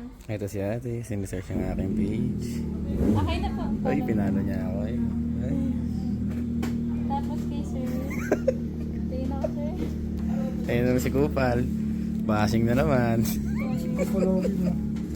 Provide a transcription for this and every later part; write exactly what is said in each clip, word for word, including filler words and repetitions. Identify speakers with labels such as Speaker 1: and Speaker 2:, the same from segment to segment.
Speaker 1: Ito si ate, sinisearch ang aking page.
Speaker 2: Okay na po.
Speaker 1: Ay, pinalo niya ako eh. Ay.
Speaker 2: Tapos kay sir. Tayo na ako, sir.
Speaker 1: Ayun naman si Kupal. Bashing na naman.
Speaker 3: Following mo.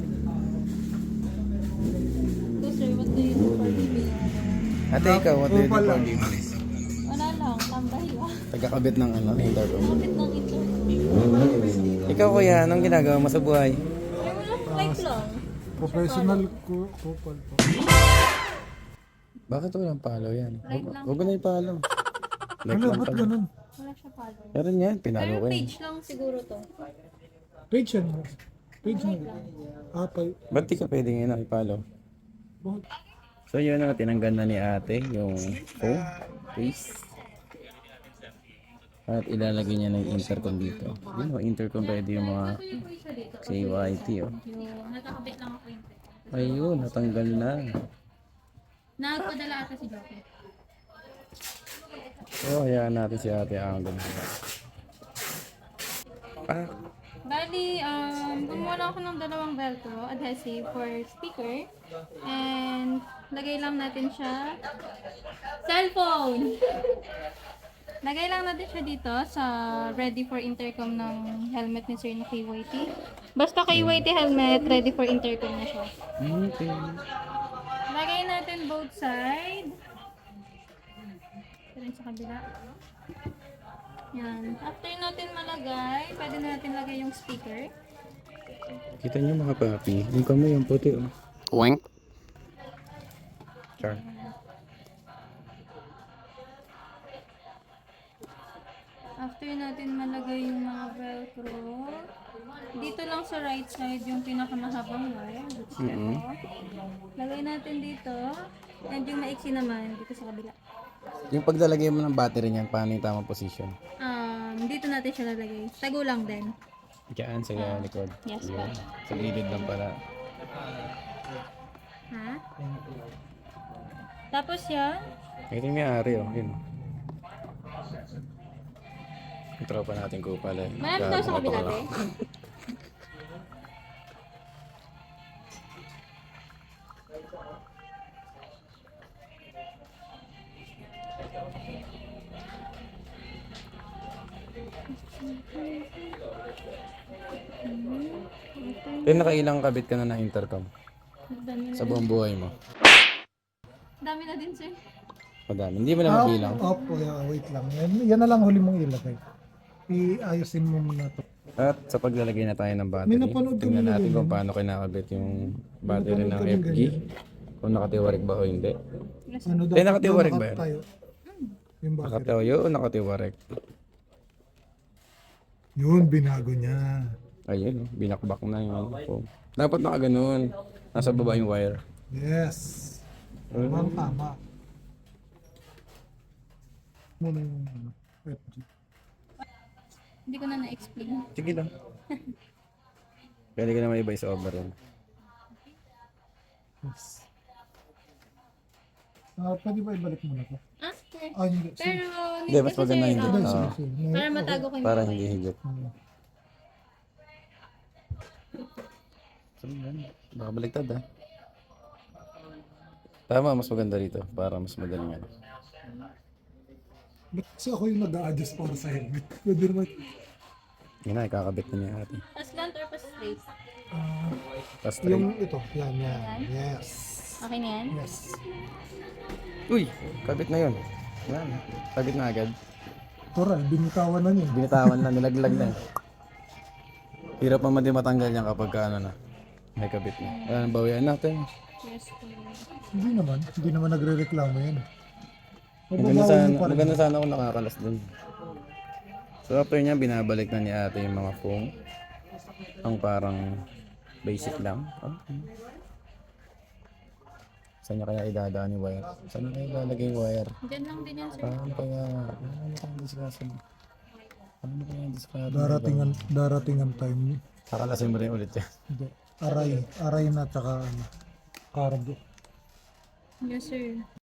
Speaker 2: So, sir, what do you do for living?
Speaker 1: Ate, ikaw, what do you do
Speaker 3: Kupal
Speaker 1: for
Speaker 3: lang.
Speaker 1: living?
Speaker 2: Wala lang, tambay lang.
Speaker 1: Tagakabit ng ano, intercom.
Speaker 2: Kapit ng ito.
Speaker 1: Ikaw kuya, anong ginagawa mo sa buhay?
Speaker 2: Ay, wala, life lang.
Speaker 3: Professional ko kupal po.
Speaker 1: Bakit walang palo yan?
Speaker 2: Like lang.
Speaker 1: Huwag ko na ipalo. Like
Speaker 3: Ano,
Speaker 1: lang
Speaker 3: ba't
Speaker 1: pala.
Speaker 3: ganun?
Speaker 2: Wala siya follow.
Speaker 1: Meron yan, pinalo
Speaker 2: Pero
Speaker 1: ko yan.
Speaker 2: page lang siguro to.
Speaker 3: Page yan mo. Page mo. Ah, pa.
Speaker 1: Ba't di ka pwedeng yun ipalo?
Speaker 3: Bakit?
Speaker 1: So yun na, tinanggal na ni ate yung phone, face. At ilalagay niya ng intercom dito. Yun o, intercom pwede yung mga
Speaker 2: Ito yung po isa dito.
Speaker 1: K Y T o.
Speaker 2: Yung nakakabit lang ako yung
Speaker 1: Ayun, natanggal na.
Speaker 2: Nagpadala ata si Joker.
Speaker 1: So, hayaan natin si ate ang ganda. Ah,
Speaker 2: Bali, um, gumawa lang ako ng dalawang velcro adhesive for speaker. And, lagay lang natin siya. Cellphone! Lagay lang natin siya dito sa ready for intercom ng helmet ni Sir na K Y T. Basta K Y T helmet, ready for intercom na siya.
Speaker 1: okay.
Speaker 2: Lagay natin both side. Ito rin sa kabila. Yan. After natin malagay, pwede na natin lagay yung speaker.
Speaker 1: Kita niyo mga papi, yung kamay yung puti o. Wank. Char.
Speaker 2: After natin malagay yung mga velcro, dito lang sa right side yung pinakamahabang wire. Which is
Speaker 1: Mhm.
Speaker 2: ito. Lagay natin dito. And yung maiksi naman, dito sa kabila.
Speaker 1: Yung paglalagay mo ng battery niyan, paano yung tamang position?
Speaker 2: Um, dito natin siya lalagay. Tago lang din.
Speaker 1: Diyan sa likod.
Speaker 2: Yes,
Speaker 1: Yun. Sa gilid lang pala.
Speaker 2: Ha? Tapos yan,
Speaker 1: Ito yung may-ari oh. Yun. Yung tropa natin ko pala.
Speaker 2: marami daw sa kabila te.
Speaker 1: Eh, nakailang kabit ka na ng intercom
Speaker 2: Dami na,
Speaker 1: sa buong buhay mo?
Speaker 2: dami na din sir.
Speaker 1: Madami. Hindi mo na
Speaker 3: Ah,
Speaker 1: mabilang.
Speaker 3: opo, yeah, wait lang. Yan, yan na lang huli mong ilagay. Iayusin mo muna to.
Speaker 1: At sa paglalagay na tayo ng battery,
Speaker 3: May napanood kami
Speaker 1: tingnan natin
Speaker 3: na
Speaker 1: kung paano kinakabit yung battery
Speaker 3: May
Speaker 1: ng
Speaker 3: napanood
Speaker 1: F
Speaker 3: kami
Speaker 1: G. Kung nakatiwarik ba o hindi.
Speaker 3: Ano daw?
Speaker 1: Eh, nakatiwarik ba yan?
Speaker 3: Tayo. Yung battery.
Speaker 1: Nakatayo o nakatiwarik?
Speaker 3: Yun, binago niya.
Speaker 1: Ayun, oh, binakbak na yung phone. Dapat nakaganon. Nasa baba yung wire.
Speaker 3: Yes. Tamang tama. Muna yung ano, F G.
Speaker 2: Hindi ko na na-explain.
Speaker 1: Sige lang. Pwede ka naman iba sa over yun.
Speaker 3: Yes. Ah, pwede ba ibalik mo na to?
Speaker 2: Ah, sir.
Speaker 3: Ah, hindi. Sige.
Speaker 2: Pero,
Speaker 1: Hindi, mas maganda hindi.
Speaker 2: hindi.
Speaker 3: Sige,
Speaker 1: Ah,
Speaker 3: sige, sige.
Speaker 2: Para matago ko yung
Speaker 1: para
Speaker 2: kamay.
Speaker 1: hindi higit.
Speaker 3: Hmm.
Speaker 1: So, yan. Baka baliktad ah. Tama, mas maganda rito. Para mas madaling yan.
Speaker 3: Ba't kasi ako yung nag-a-adjust para sa helmet? Pwede naman.
Speaker 1: Yun na, ikakabit na niya ate.
Speaker 2: Pa slant or pa straight?
Speaker 3: Ah,
Speaker 1: Tapos straight.
Speaker 3: yung ito. Yan, yan. Yes.
Speaker 2: Okay na yan?
Speaker 3: Yes.
Speaker 1: Uy! Kabit na yun. Yan. Kabit na agad.
Speaker 3: Toral, binitawan na niya.
Speaker 1: Binitawan na, nilaglag na. eh. Hirap naman din matanggal yan kapag ka, ano na. May kabit na. Ayan, bawian natin.
Speaker 2: Yes, sir.
Speaker 3: Hindi naman. Hindi naman nagre-reklamo yan.
Speaker 1: Maganda
Speaker 3: Mababawi
Speaker 1: sana,
Speaker 3: mo pa rin.
Speaker 1: maganda sana kung nakakalas dun. So after niya, binabalik na ni ate yung mga foam. Ang parang basic lang. Okay. Saan niya kaya idadaan yung wire? Saan niya kaya ilalagay yung wire?
Speaker 2: Diyan lang din yan, sir.
Speaker 1: Paano kaya, ano kaya discuss mo? Ano kaya discuss mo?
Speaker 3: Daratingan, daratingan time.
Speaker 1: Kakalasin mo rin ulit yan.
Speaker 3: Hindi. Aray. Aray na tsaka ano. Cargo.
Speaker 2: Yes, sir.